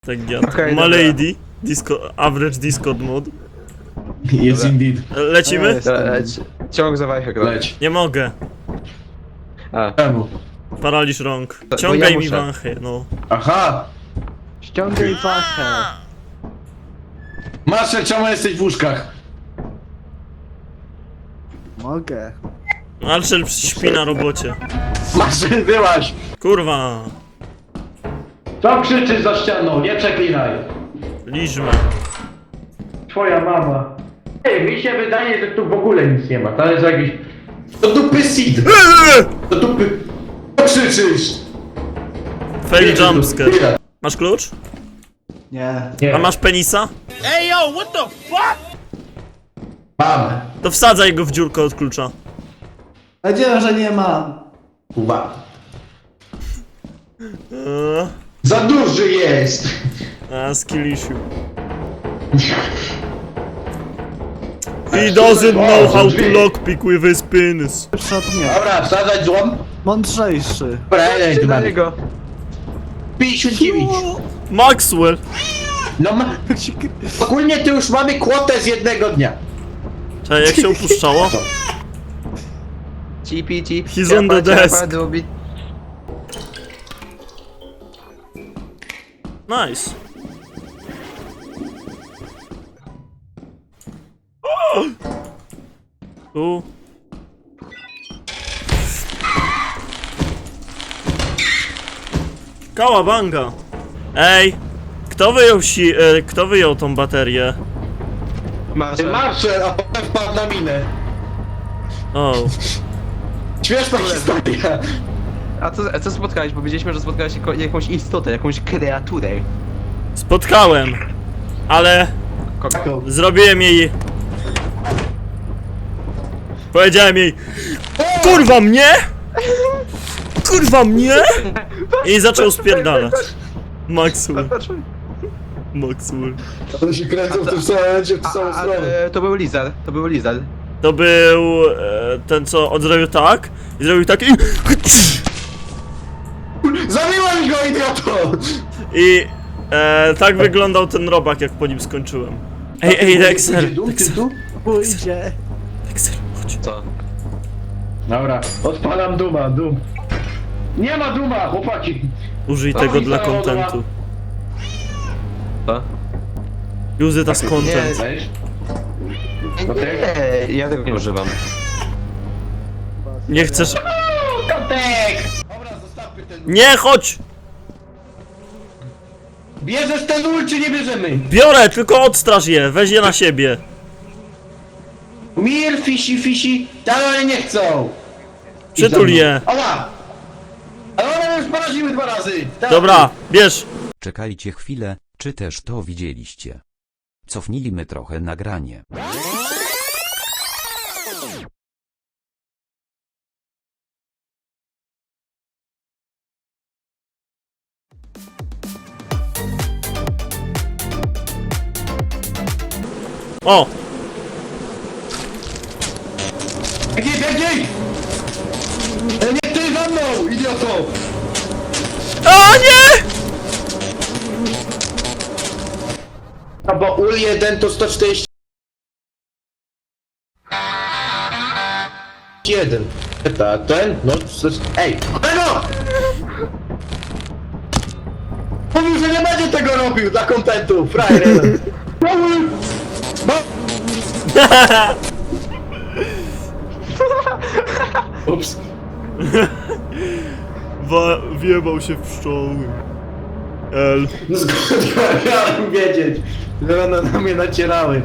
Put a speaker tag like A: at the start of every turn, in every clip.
A: Tak ja.
B: Okej,
A: Ma
B: dobra.
A: lady. Average Discord mod.
C: Jest indeed.
A: Lecimy?
B: Dobra, ciąg za wajchę gra.
C: Leć.
A: Nie mogę.
B: A,
C: Czemu?
A: Paraliż rąk.
B: Bo
A: Ciągaj
B: ja
A: mi
B: muszę.
A: wąchę, no.
C: Aha!
B: ściągaj wachę.
C: Marszal, czemu jesteś w łóżkach?
D: Mogę.
A: Marcel śpi na robocie.
C: Marszal, byłaś!
A: Kurwa.
C: Co krzyczysz za ścianą? Nie przeklinaj!
A: Liżmy.
C: Twoja mama. Ej, mi się wydaje, że tu w ogóle nic nie ma. To jest jakiś... Do dupy seed! Do dupy... Co krzyczysz?
A: Fail jumpscare. Masz klucz?
D: Nie.
C: Nie.
A: A masz penisa?
C: Mam.
A: To wsadzaj go w dziurkę od klucza.
D: Powiedziałem, że nie mam.
C: Uwaga.
A: Eee,
C: Za duży jest!
A: skill issue. He doesn't know how to lockpick with his penis.
D: Jeszcze od mnie.
C: Dobra, wsadzać złom.
D: Mądrzejszy.
C: Dobra, jedź
B: Czy
C: do
B: na
C: mnie.
B: niego?
C: 59.
A: Maxwell.
C: No ogólnie to już mamy kwotę z jednego dnia.
A: Czekaj, jak się opuszczało?
B: Cipi, cip.
A: He's on the desk. Nice. Tu. Kałabanga. Ej, kto wyjął tą baterię?
B: Masz.
C: Marszal, a potem wpadł na minę.
A: O,
C: Śmieszna historia.
B: A co spotkałeś? Bo wiedzieliśmy, że spotkałeś jakąś istotę, jakąś kreaturę.
A: spotkałem, ale zrobiłem jej. Powiedziałem jej, kurwa mnie! Kurwa mnie! I zaczął spierdalać. Maxwell. Maxwell.
C: To się kręcą w tym samym momencie, w tą samą stronę.
B: To był lizard, to był lizard.
A: To był ten, co on zrobił tak i zrobił tak
C: Zabiłem go, idioto!
A: i tak wyglądał ten robak, jak po nim skończyłem. Ej, Dexter,
D: Pójdzie.
A: Dexter, chodź.
B: Co?
C: Dobra, odpalam Duma, Dum. Nie ma Duma, chłopaki!
A: Użyj tego dla kontentu.
B: Co?
A: Use it as content.
C: Weź.
B: Nie, ja tego nie używam.
A: Nie chcesz...
C: Kotek! Dobra, zostawmy ten...
A: Nie, chodź!
C: Bierzesz ten ul, czy nie bierzemy?
A: Biorę, tylko odstraż je, weź je na siebie.
C: Mir, fisi, ale nie chcą!
A: Przytul je.
C: Oła! Ale one już poraziły 2 razy! Dawaj.
A: Dobra, bierz.
E: Czekajcie chwilę, czy też to widzieliście? Cofnijmy trochę nagranie.
A: O!
C: Biegnij! Nie ty za mną, idioto!
A: A nie!
C: A bo ul 1 to 140... 1. Ten? No, ej! Kolego! Mówił, że nie będzie tego robił dla kontentu, frajer jeden. Ups.
A: Wjebał się w pszczoły. L.
C: No skąd miałem wiedzieć, że one na mnie nacierały.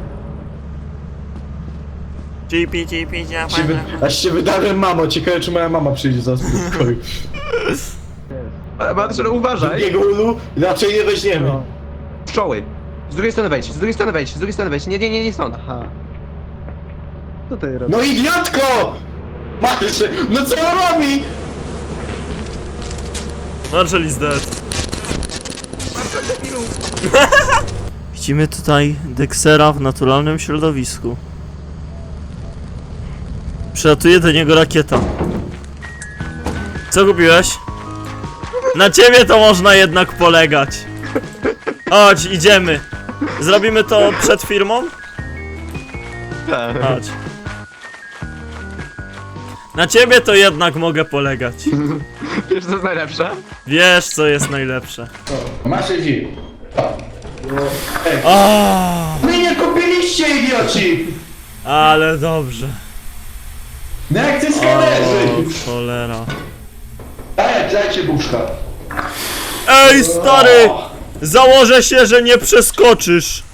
C: Aż się wydałem mamo, ciekawe czy moja mama przyjdzie za spokoju.
B: Marcel, uważaj!
C: Jego ulu raczej nie weźmiemy.
B: Pszczoły! Z drugiej strony wejdź, z drugiej strony wejdź, z drugiej strony wejdź. Nie stąd.
D: Aha. Co tutaj robisz?
C: No idiotko! Marszy, no co on robi?
A: Marshall is dead. Widzimy tutaj Dextera w naturalnym środowisku. Przylatuje do niego rakieta. Co kupiłeś? Na ciebie to można jednak polegać. Chodź, idziemy. Zrobimy to przed firmą?
B: Tak.
A: Chodź. Na ciebie to jednak mogę polegać.
B: Wiesz co jest najlepsze?
A: Wiesz, co jest najlepsze.
C: Masz dzi.
A: O,
C: My nie kupiliście, idioci!
A: ale dobrze.
C: No jak ty
A: O,
C: skanerzy!
A: cholera.
C: Dajcie buszka.
A: Ej, stary! Założę się, że nie przeskoczysz.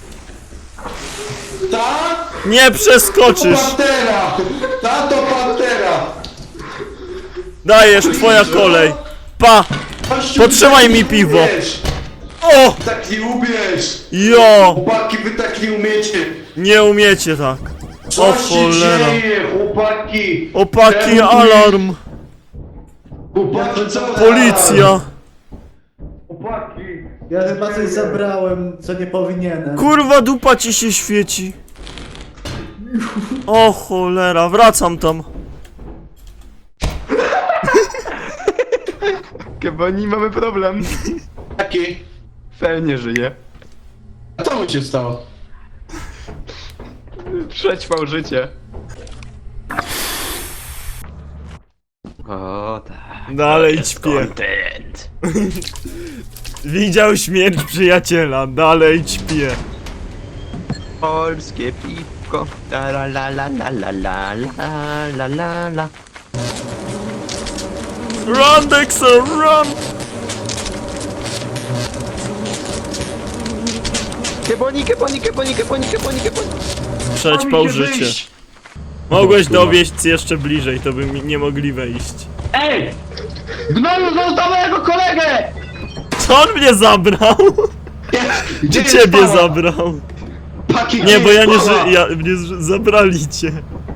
C: Ta?
A: Nie przeskoczysz.
C: Pantera! Tato Pantera!
A: Dajesz, twoja kolej. Pa!
C: Kościół,
A: Potrzymaj
C: tak
A: mi
C: nie
A: piwo.
C: umiesz.
A: O!
C: Tak nie umiesz!
A: Jo!
C: Chłopaki, wy tak nie umiecie!
A: Nie umiecie tak. O
C: Co się
A: cholera.
C: dzieje, chłopaki?
A: Opaki,
C: Czemu
A: alarm.
C: Chłopaki, co
A: Policja.
C: Chłopaki!
D: Ja chyba coś zabrałem, co nie powinienem.
A: Kurwa, dupa ci się świeci. O cholera, wracam tam.
B: Keboni, mamy problem.
C: Jaki?
B: Fel nie żyje.
C: A co mu się stało?
B: Przećwał życie. O tak.
A: Dalej ćpie.
B: Content.
A: Widział śmierć przyjaciela, dalej ćpie.
B: Polskie piwko. La la la la la la la la la la la.
A: Run, Dexter, run!
B: Keboni, keboni, keboni, keboni, keboni, keboni.
A: Przećpał życie. Mogłeś dowieść jeszcze bliżej, to by mi nie mogli wejść.
C: Ej! Gnoju, zostaw mojego kolegę!
A: Co on mnie zabrał?
C: Gdzie
A: Czy
C: jest
A: ciebie
C: Paweł?
A: zabrał?
C: Paki,
A: Nie,
C: gdzie
A: bo ja
C: jest
A: nie
C: Paweł?
A: żyję, zabrali cię.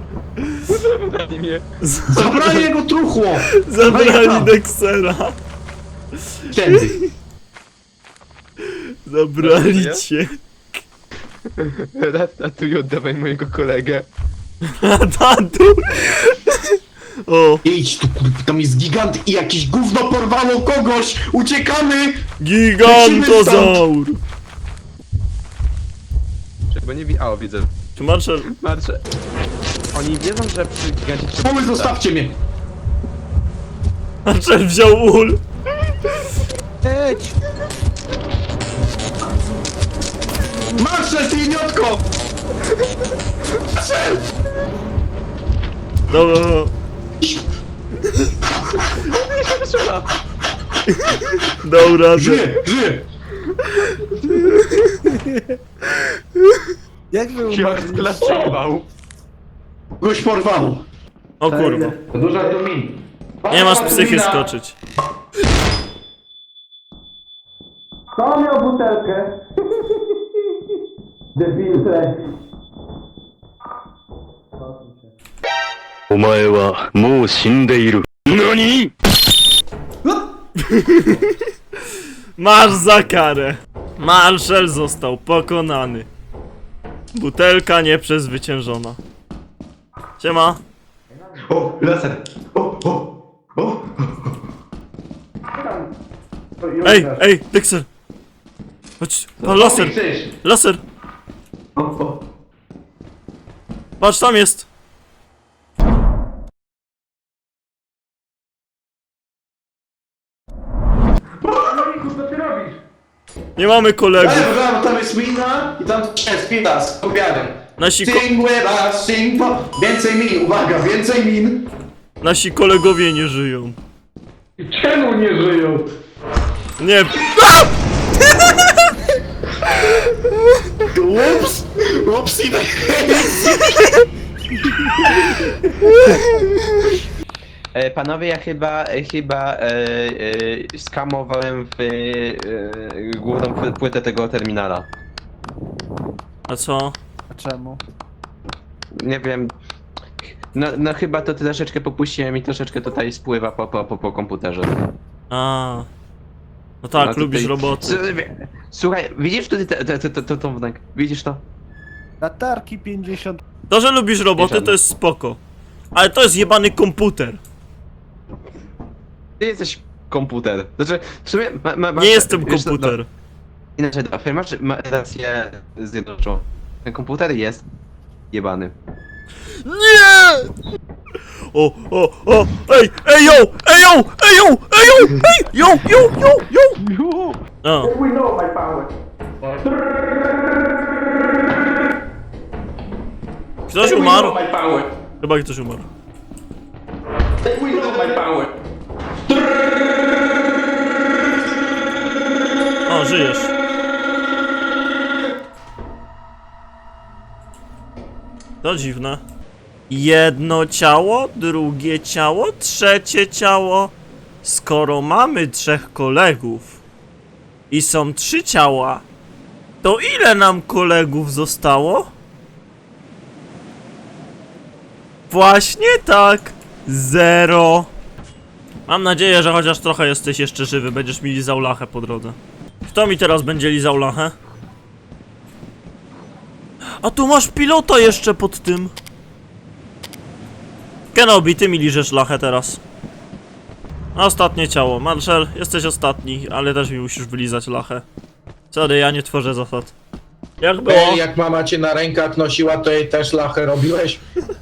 C: Zabrali jego truchło!
A: Zabrali Dextera.
C: Tędy.
A: Zabrali cię.
B: Ratatuj, oddawaj mojego kolegę.
A: Tatu. O,
C: Idź tu, kurwa, tam jest gigant i jakieś gówno porwało kogoś! Uciekamy!
A: gigantozaur.
B: Czego nie wi... O, widzę.
A: Czy Marshall...
B: Marcze. Oni wiedzą, że przy gigancie trzeba...
C: Mamy, zostawcie mnie!
A: Marshall wziął ul.
D: Jedź!
C: Marszal, ty idiotko! Marszal!
A: Dobra, dobra.
C: Żyje, żyje!
D: Jak wy
B: Jak
D: umarliście?
B: sklasował.
C: Kogoś porwało.
A: O kurwa.
C: To duża domin.
A: Nie masz psychy skoczyć.
C: Kto miał butelkę? Debile.
F: お前はもう死んでいる。何
A: Masz za karę. Marshall został pokonany. Butelka nieprzezwyciężona. Siema.
C: O, laser! O!
A: Ej, ej, Dexter. Chodź, pan laser, laser. Patrz, tam jest.
C: Co ty robisz?
A: Nie mamy kolegów.
C: Tam jest mina i tam jest mina z obiadem.
A: Nasi,
C: Sing with us, sing po... Więcej min, uwaga, więcej min!
A: nasi kolegowie nie żyją.
C: Czemu nie żyją?
A: Nie.
C: Ups! Upsi,
B: Panowie, ja chyba skamowałem w główną płytę tego terminala.
A: A co?
D: A czemu?
B: Nie wiem. No chyba to troszeczkę popuściłem i troszeczkę tutaj spływa po komputerze.
A: A. No tak,
B: No tutaj-
A: lubisz roboty.
B: Słuchaj, widzisz tutaj tą wnek? Widzisz to?
D: Latarki 50.
A: To, że lubisz roboty, to jest spoko. Ale to jest jebany komputer.
B: Ty jesteś komputer. Znaczy, w sumie
A: Nie jestem
B: wiesz co,
A: komputer.
B: Inaczej, masz rację zjednoczoną. Ten komputer jest jebany.
A: Nie! O, ej, yo, yo! O, ktoś umarł?
C: My power.
A: Chyba ktoś umarł.
C: We know my power.
A: O, żyjesz. To dziwne. Jedno ciało, drugie ciało, trzecie ciało. Skoro mamy 3 kolegów i są 3 ciała, to ile nam kolegów zostało? Właśnie tak. 0. Mam nadzieję, że chociaż trochę jesteś jeszcze żywy, będziesz mi lizał lachę po drodze. Kto mi teraz będzie lizał lachę? A tu masz pilota jeszcze pod tym. Kenobi, ty mi liżesz lachę teraz. Ostatnie ciało. Marshall, jesteś ostatni, ale też mi musisz wylizać lachę. Sorry, ja nie tworzę zasad. Jak było?
G: Ej, jak mama cię na rękach nosiła, to jej też lachę robiłeś?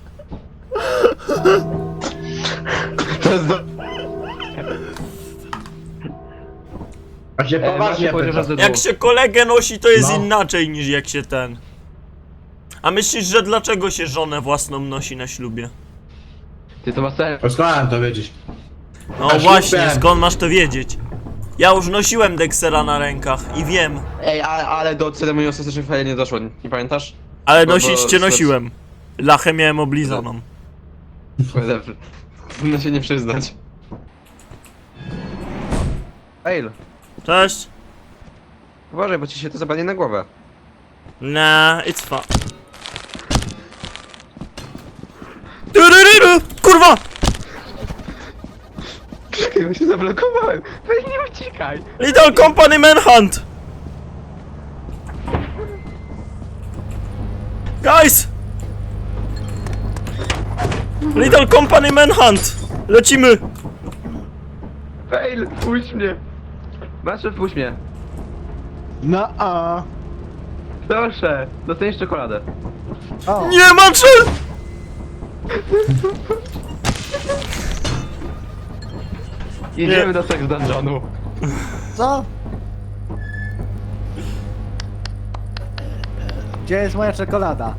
C: A się poważnie pytam.
A: Jak się kolegę nosi, to jest
G: No.
A: inaczej niż jak się ten. A myślisz, że dlaczego się żonę własną nosi na ślubie?
B: Ty to masz sens.
G: Skąd mam to wiedzieć?
A: No
G: Na
A: właśnie,
G: ślubie.
A: skąd masz to wiedzieć? Ja już nosiłem Dexera na rękach i wiem.
B: Ej, ale do ceremonii ostatecznej fajnie nie doszło, nie pamiętasz?
A: Ale
B: Bo-
A: nosić cię
B: bo-
A: nosiłem. Lachę miałem oblizaną.
B: Whatever. Powinno się nie przyznać. Ej,
A: Cześć.
B: uważaj, bo ci się to zapadnie na głowę.
A: Nah, it's fun. Tyryryry! Kurwa!
B: Czekaj, bo się zablokowałem. Weź nie uciekaj.
A: Little Company Manhunt! Guys! Little Company Manhunt! Lecimy!
B: Fail, puść mnie. Masz, puść mnie.
D: No a.
B: Proszę, dostaniesz czekoladę.
D: O.
A: Nie, Marshall!
B: Idziemy do seks dungeonu.
D: Co? Gdzie jest moja czekolada?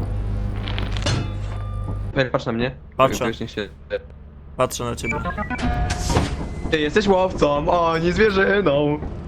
B: Fail, patrz na mnie.
A: Patrzę.
B: Tak, nie się...
A: Patrzę na ciebie.
B: Ty jesteś łowcą, o, nie zwierzyną.